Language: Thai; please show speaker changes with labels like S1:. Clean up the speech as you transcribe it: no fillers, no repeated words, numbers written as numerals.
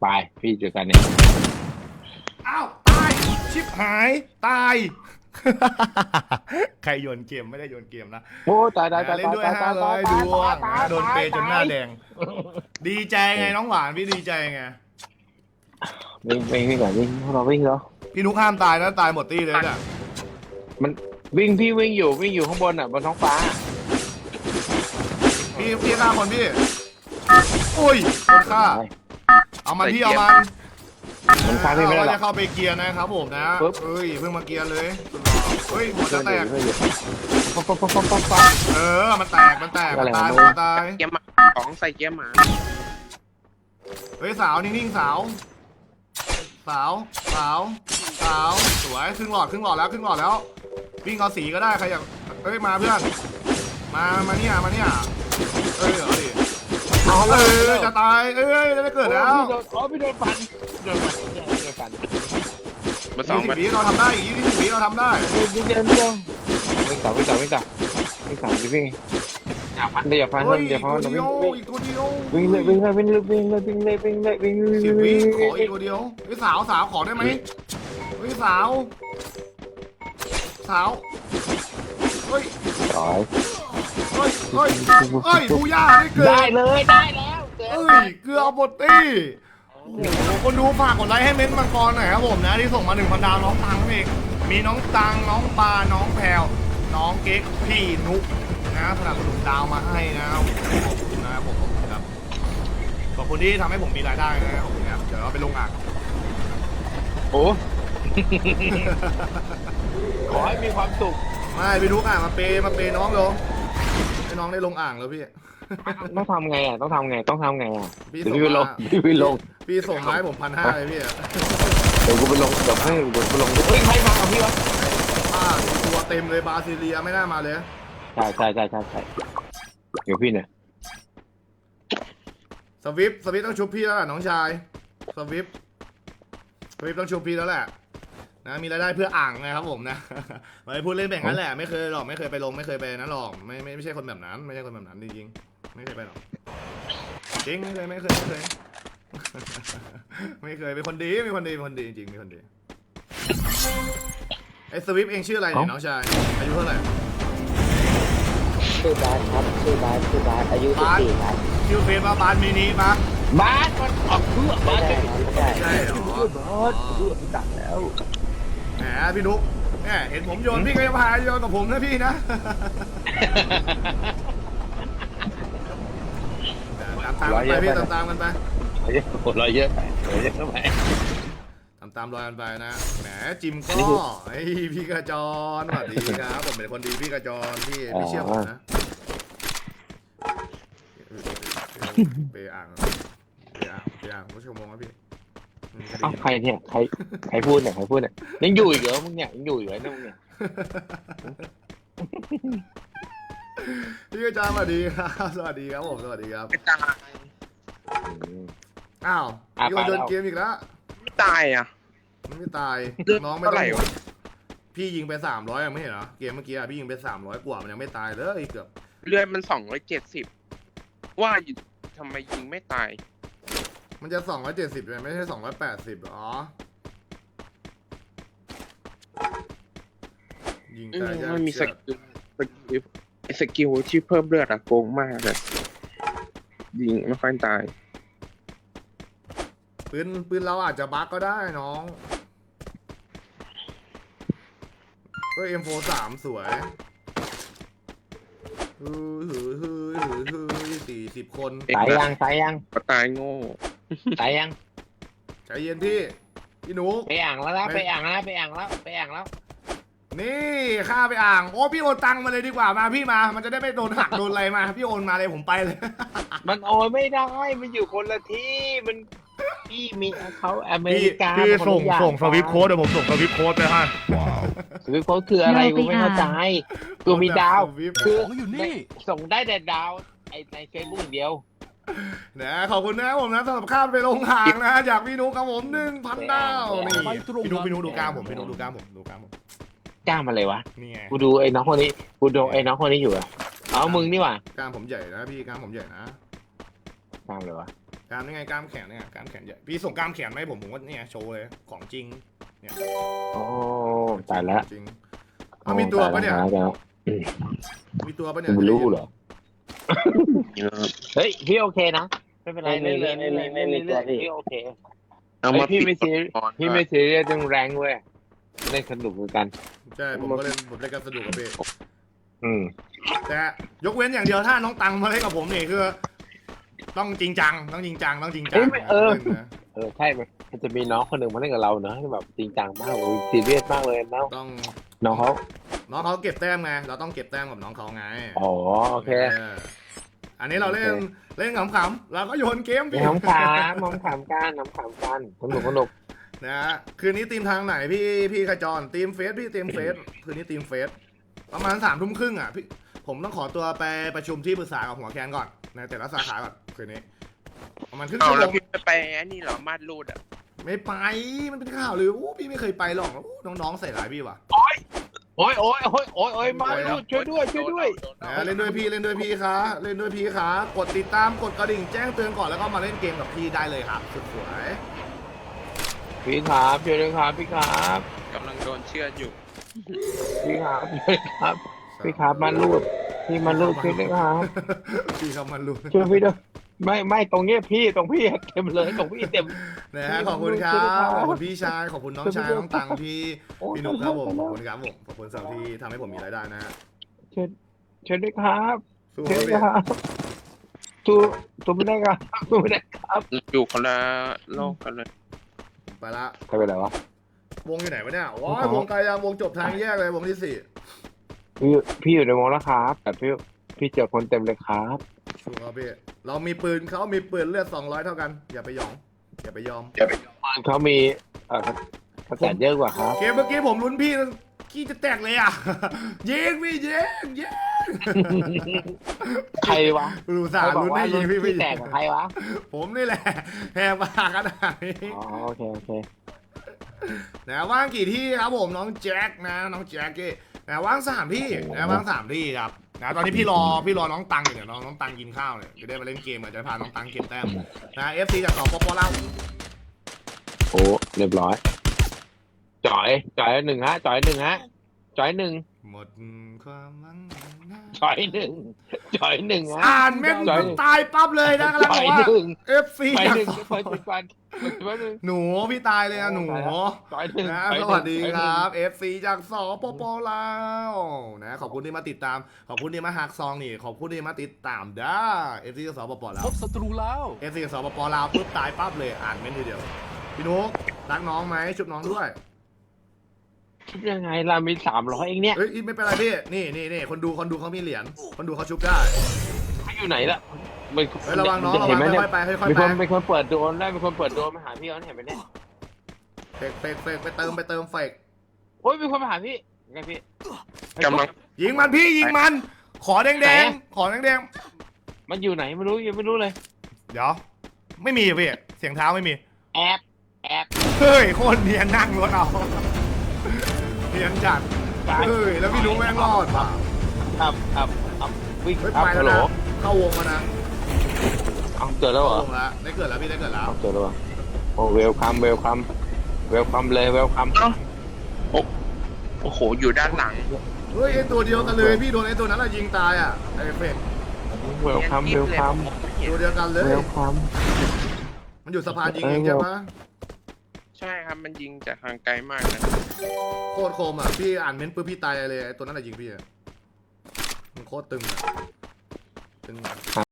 S1: ไปพี่เจอกันเนี่ย
S2: อ้าวตายชิบหายตาย ใครโยนเกมไม่ได้โยนเกมนะ
S1: โอ้ตายตายตาย
S2: เล่นด้วย
S1: ตาย
S2: 500ดวงนะโดนเปย์จนหน้าแด
S1: ง
S2: ง ดีใจไงน้องหวานพี่ดีใจไง
S1: วิ่งก่อนวิ่งเราวิ่งแล้ว
S2: พี่นุกห้ามตายนะตายหมดตี้เลยเนี่ย
S1: มันวิ่งพี่วิ่งอยู่ข้างบนอ่ะบนท้องฟ้า
S2: พี่ฆ่าคนพี่อุ้ยคนฆ่าเอามันพี่เอามัน
S1: มันฆ่าพี่ไม่ได้หร
S2: เรา
S1: อก
S2: จะเข้าไปเกียร์นะครับผมนะ
S1: ปึ๊บ
S2: เอ้ยเพิ่งมาเกียร์เลยเฮ้ยหัวจะแตก
S1: ปั๊บ
S2: มันแตกมันตาย
S1: อะไร
S2: หั
S1: วะ
S2: วตาย
S3: เกียร์หมาของใส่เกียร์หมา
S2: เฮ้ยสาวนิ่งๆสาวสวยครึ่งหลอดแล้ววิ่งเอาสีก็ได้ใครอยากเอ้ยมาเพื่อนมาเนี่ยเอ้ยเอาดิ
S1: เอาเล
S2: เอ้
S1: ย
S2: ยจะตายเอ้ยจะเกิดแล้ว
S1: พี่โดนฟันโดนฟัน
S3: มาสอง
S2: 20
S3: มัน
S2: วิเราทำได้อีก20 วิเราทำได้
S1: วิ่งต่อวิ่งอย่าฟันอย่าฟัน
S2: เฮ้ย
S1: อย่าฟัน
S2: อีกตัวเดียว
S1: วิ่งเลย
S2: 10 วิขออีกตัวเดียวเฮ้ยสาวขอได้ไหมเฮ้ยสาวเฮ้ย
S1: ต่อย
S2: บูย่าได้เกิด
S1: ได้เลยได้แล้ว
S2: เอ้ยเกลือเอาหมดตี้โอ้โหคนดูฝากกดไลค์ให้เม้นต์มังกรหน่อยครับผมนะที่ส่งมา 1,000 ดาวน้องตังเองมีน้องตังน้องปาน้องแพรวน้องเก๊กพี่นุกนะสนับสนุนดาวมาให้นะขอบคุณนะครับผมครับขอบคุณที่ทำให้ผมมีรายได้นะครับผมเนี่ยเดี๋ยวเราไปลงอ่าง
S1: โอ้ขอให้มีความสุข
S2: ไม่พี่นุกอ่ะมาเปย์น้องเลยให้น้องได้ลงอ่างแล้วพี่
S1: ต้องทำไงอ่ะต้องทำไง
S2: พี่
S1: เดี๋ยว
S2: ส่ง
S1: พี่ไปลง
S2: มา พี่ส่งมาให้ผม1,500เลยพี่อะ
S1: เดี๋ยวกูไปลงเดี๋ยวกูลงเฮ้ยใครมากับพี่วะ
S2: ตัวเต็มเลยบราซิเลียไม่น่ามาเลย
S1: ใช่เดี๋ยวพี่เนี่ย
S2: สวิฟต้องชุบพี่แล้วแหละน้องชายสวิฟต้องชุบพี่แล้วแหละนะมีรายได้เพื่ออ่างนะครับผมนะ ไม่พูดเล่นแบบนั้นแหละไม่เคยหรอกไม่เคยไปลงไม่เคยไปนั้นหรอกไม่ใช่คนแบบนั้นไม่ใช่คนแบบนั้นจริงๆไม่เคยไปหรอกจริงไม่เคย ไม่เคยเป็นคนดีจริงเป็นคนดีไอ้สวิฟเองชื่ออะไรเนี่ยน้องชายอายุเท่าไหร่
S4: ชื่อบาสครับชื่อบาสอายุ14ครับ
S2: ชื่อเฟซว่าบานมินิปะ
S1: บ้านมันออกเพื่อบ้าน
S4: ไม่ได้
S2: ใช่เหรอ
S1: ตัดแล้ว
S2: แหมพี่นุ๊กแหมเห็นผมโยนพี่ก็จะพาโยนกับผมนะพี่นะ ตามกันไปพี่ตามกันไป
S1: รอยเยอะไป
S2: ตามรอยกันไปนะแหมจิมก็ไอพี่กระจรสวัสดีครับผมเป็นคนดีพี่กระจรพี่เชื่อผมนะไปอ่างผู้ชมมองว่าพี่
S1: อ้าวใครเนี่ยใครพูดเนี่ยยังอยู่อีกเหรอมึงเนี่ยยังอยู่อีกเหรอเนี่ยมึงเนี่ย
S2: พี่กระจรสวัสดีครับสวัสดีครับผมสวัสดีครับ
S3: ไม่ตาย
S2: อ้าวโยนเกมอีกแล้ว
S3: ไม่ตายอ่ะ
S2: ไม่ตาย
S3: เลือด
S2: น้องไม่
S3: เท่าไห
S2: ต้
S3: ร่
S2: อง
S3: วะ
S2: พี่ยิงไป300ไม่เห็นเหรอเกมเมื่อกี้พี่ยิงไป300กว่ามันยังไม่ตายเลยเกือบ
S3: เลือดมัน270ว่าอยู่ทำไมยิงไม่ตาย
S2: มันจะ270เลยไม่ใช่280หรอยิงตายยาก
S3: มันมีส
S2: เชือก
S3: กิลที่เพิ่มเลือดอะโกงมากเลยยิงไม่ค่อยตาย
S2: ปืนเราอาจจะบั๊กก็ได้น้องก็ M43 สวย40 คน
S1: ตายยัง
S3: ก็ตายโง่
S2: ใจเย็นพี่หนู
S1: ไปอ่างแล้ว
S2: นี่ข้าไปอ่างโอ้พี่โอนตังมาเลยดีกว่ามาพี่มามันจะได้ไม่โดนหักโดนอะไรมาพี่โอนมาเลยผมไปเลย
S1: มันโอนไม่ได้มันอยู่คนละที่มันพี่มีเขาอเมริกา
S2: พี่ส่งสวิปโค้ดเดี๋ยวผมส่งสวิปโค้ดไปให้ว้าว
S1: สวิปโค้ดคืออะไรกูไม่เข้าใจกูมีดาวคือ
S2: อยู่นี่
S1: ส่งได้แต่ดาวในเฟซบุ๊กอย่างเดียว
S2: นะขอบคุณนะครับผมนะสำหรับข้ามไปลงหางนะจากพี่นุ๊กครับผม 1,000 ดาวนี่พี่นุ๊กดูกล้ามผมพี่นุ๊กดูกล้ามผม
S1: กล้ามาเลยวะ
S2: นี่ไง
S1: กูดูไอ้น้องคนนี้อยู่อะเอามึงนี่ว่ะ
S2: กล้ามผมใหญ่นะพี่กล้ามผมใหญ่นะ
S1: กล้าเลยวะ
S2: ใกล้ามนี่ไงกล้ามแขนเนี่ยกล้ามแขนใหญ่พี่ส่งกล้ามแขนมาให้ผมก็เนี่ยโชว์เลยของจริงเนี่ย
S1: โอ้ตายแล้ว
S2: จริงเอามีตัวปะเนี่ย
S1: ตาแล้ว
S2: มีตัวปะเนี่ย
S1: ไม่รู้เหรอ
S3: นี่นะครับ
S1: เฮ้ยพี่โอเคนะไม่เป็นไรเล่นเลยพี่โอเค
S3: เอามา
S1: พี่
S3: ปิ
S1: ไม่
S3: ด
S1: ซี
S3: ก่อน
S1: พี่ไม่ซีเรียสเรื่องแรงเว้ยเล่นสนุกเหมือนกัน
S2: ใช่ผมก็เล่นกันสนุกกับพี่ แต่ยกเว้นอย่างเดียวถ้าน้องตังมาเล่นกับผมนี่คือ ต้องจริงจังต้องจริงจังต้องจริงจัง
S1: ใช่มันจะมีน้องคนหนึ่งมาเล่นกับเราเนอะที่แบบจริงจังมากเลยซีเรียสมากเลยน้อง
S2: ต้อง
S1: น้องเขา
S2: น้องเขาเก็บแต้มไงเราต้องเก็บแต้มกับน้องเขาไง
S1: อ๋อโอเค
S2: อันนี้เราเล่นขำๆเราก็โยนเกมพี่
S1: น้ำขามน้ำขามกันสนุก
S2: นะฮะคืนนี้ทีมทางไหนพี่ขจรทีมเฟสพี่ทีมเฟสคืนนี้ทีมเฟสประมาณ3 ทุ่มครึ่งอ่ะพี่ผมต้องขอตัวไปประชุมที่ปรึกษากับหัวแคนก่อนในแต่ละสาขาก่อนคืนนี้ประมาณครึ่ง
S3: เอา
S2: ชั่วโม
S3: แล้ว
S2: ง
S3: พี่ไปอันนี้เหรอมาดรูดอ่ะ
S2: ไม่ไปมันเป็นข่าวเลยพี่ไม่เคยไปหรอกน้องๆใส่ร้ายพี่ว่ะ
S1: โอ้ยมาลูกช่วยด้วย
S2: นะเล่นด้วยพี่คะเล่นด้วยพี่คะกดติดตามกดกระดิ่งแจ้งเตือนก่อนแล้วก็มาเล่นเกมกับพี่ได้เลยครับสุดสวย
S1: พี่ครับช่วยด้วยครับพี่ครับ
S3: กำลังโดนเชือดอยู่
S1: พี่ครับมาลูดพี่มาลูดช่วยด้วยครับ
S2: พี่เขามันรู้
S1: ช่วยพี่ด้วยไม่ตรงเนี้ยพี่ตรงพี่เต็มเลยตรงพี่เต็ม
S2: นะฮะขอบคุณครับขอบคุณพี่ชายขอบคุณน้องชายน้องตังพี่นุ๊กครับผมขอบคุณครับผมขอบคุณสำหรับที่ทำให้ผมมีรายได้นะฮะ
S1: ช่วยด้วยครับ
S2: สู้
S1: ช่วย
S2: พี่
S1: ด้วยครับตัวไม่ได้ครับตัวไม่ได้ครับ
S3: อยู่คนละโลกกันเลย
S2: ไปละ
S1: ใครเป็นไรวะ
S2: วงอยู่ไหนวะเนี่ยว้าวงไกลยังวงจบทางแยกเลยวงที่
S1: พี่อยู่ในวงแล้วครับแต่พี่เจอคนเต็มเลยครับ
S2: 4สู้ครับพี่เรามีปืนเขามีปืนเลือด200เท่ากันอย่าไปหยองอย่าไปยอม
S1: เขามีกระแสเยอะกว่าครับ
S2: เกมเมื่อกี้ผมลุ้นพี่ขี้จะแตกเลยอ่ะ ยิงพี่ยิง
S1: ใครวะ
S2: รู้สารลุ้นให้ยิงพี่ไม่
S1: แต
S2: ยิ
S1: ก
S2: ง
S1: กับใครวะ
S2: ผมนี่แหละแหกปากขนาดนี้
S1: อ๋อโอเค
S2: นะว่างกี่ที่ครับผมน้องแจ็คนะน้องแจ็คกี้นะว่าง3 ที่นะว่าง3 ที่ครับนะตอนนี้พี่รอน้องตังอยู่เนี่ยน้องตังกินข้าวเนี่ยจะได้มาเล่นเกมจะพาน้องตังเก็บแต้มนะ FC จากสปปลาว
S1: โอ้เรียบร้อยจ่อยหนึ่งฮะจ่อยหนึ่ง
S2: หมดความหวัง
S1: จ่อยหนึ่งฮะ
S2: อ่านเม็ดตายปั๊บเลยนะกำลัง
S1: จ่
S2: บ
S1: อ
S2: อย กว่า
S1: หนึ่ง
S2: FC
S1: จ่อย
S2: จาก
S1: หนึ่งเปิดก่อน
S2: หนูพี่ตายเลยอะหนู
S1: จ่อยหนึ่ง
S2: นะสวัสดีครับ FC จากสปปลาวนะขอบคุณที่มาติดตามขอบคุณที่มาหักซองนี่ขอบคุณที่มาติดตามได้ FC จากสปปลาว
S5: พบศัตรูแล้ว
S2: FC จากสปปลาวปุ๊บตายปั๊บเลยอ่านเม้นทีเดียวพี่นุ๊กรักน้องไหมชุบน้องด้วย
S1: คิดยังไงเรามี300เองเนี่ย
S2: เอ้ยไม่เป็นไรพี่นี่คนดูเขามีเหรียญคนดูเขาชุบได้
S1: อยู่ไหนล่ะ
S2: เฮ้ยระวังน้องระ
S1: เห็
S2: วัน ง
S1: ไหมเนี่ย
S2: ค่อยๆไปค่อย
S1: มี
S2: ๆ
S1: ค
S2: ไป
S1: นเป็นคนเปิดโดรนได้เป็นคนเปิดโดรนมาหาพี่เขาเห็นไหมเนี่ย
S2: เฟกไปเติมเฟก
S1: โอ้ยมีคนมาหาพี่ไงพี่
S3: กำลัง
S2: ยิงมันพี่ยิงมันขอแดงขอแดง
S1: มันอยู่ไหนไม่รู้ยังไม่รู้เลย
S2: เดี๋ยวไม่มีพี่เสียงเท้าไม่มี
S1: แอบ
S2: เฮ้ยโคตรเนียนนั่งรถเอาเนียนจัดเฮ้ยแล้วพี่นุ๊กแม่งรอดว่ะ
S1: ครับวิ่ง
S2: เฮ้ย
S1: ครับ
S2: ไปแล้
S1: ฮั
S2: ว
S1: ลโหล
S2: นะเข้าวงมานะ
S1: เอาเจอแล้วเหรอ
S2: เข้าวงแล้วได้เกิดแล้วพี่ได้เกิดแล้ว
S1: เอาเจอแล้วเหรอโอ้เวลคัมเลยเวลคัม
S3: โอ้โหอยู่ด้านหลัง
S2: เฮ้ยไอตัวเดียวกันเลยพี่โดนไอตัวนั้นอะยิงตายอะไอเฟก
S1: เวลคัม
S2: ตัวเดียวกันเลย มันอยู่สะพานยิงเองใช่ไหม
S3: ใช่ครับมันยิงจากทางไกลมากนะ
S2: โคตรโคมอะพี่อ่านเม้นต์ปุ๊บพี่ตายเลยไอตัวนั้นอะยิงพี่อะมันโคตรตึงอะตึงอะ